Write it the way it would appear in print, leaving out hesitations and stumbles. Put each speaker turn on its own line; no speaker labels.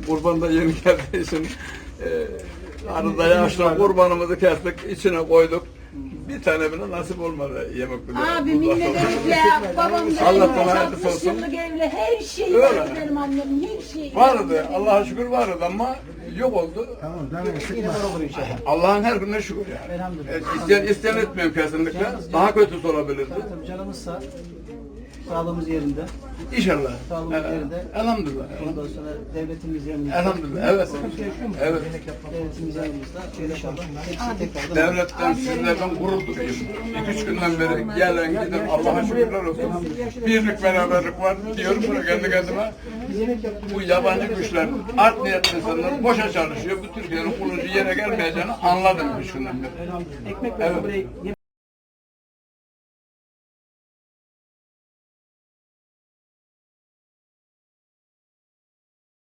kurban da yeni geldiği için arada yaşla kurbanımızı kestik, içine koyduk. Bir tane bile nasip olmadı yemek bile.
Abimin de evli, babam da
Allah'tan
evli,
hayırlısı
60
olsun.
yıllık evli, her şeyi
Öyle.
var benim annemin, her şeyi.
Vardı, Allah'a şükür vardı ama yok oldu.
Tamam, demek sıkma.
Allah'ın her gününe şükür yani.
Elhamdülillah.
İsteyen etmiyorum kesinlikle. Daha kötüsü olabilirdi.
Tabii canımız sağ. Sağlığımız yerinde.
İnşallah.
Sağlığımız yerinde.
Elhamdülillah.
Ondan sonra devletimiz yanımızda.
Elhamdülillah. Evet. Evet.
Devletimiz yanımızda. İnşallah hepsi tekrardan.
Devletten sizlerden gurur duyuyorum. 2-3 günden beri gelen giden Allah'a şükürler olsun. Birlik beraberlik var diyorum bunu kendi kendime. Bu yabancı güçler, art niyetli insanlar boşa çalışıyor. Bu Türkiye'nin kurulucu yere gelmeyeceğini anladım 3 günden beri.
Ekmek
Evet.
burayı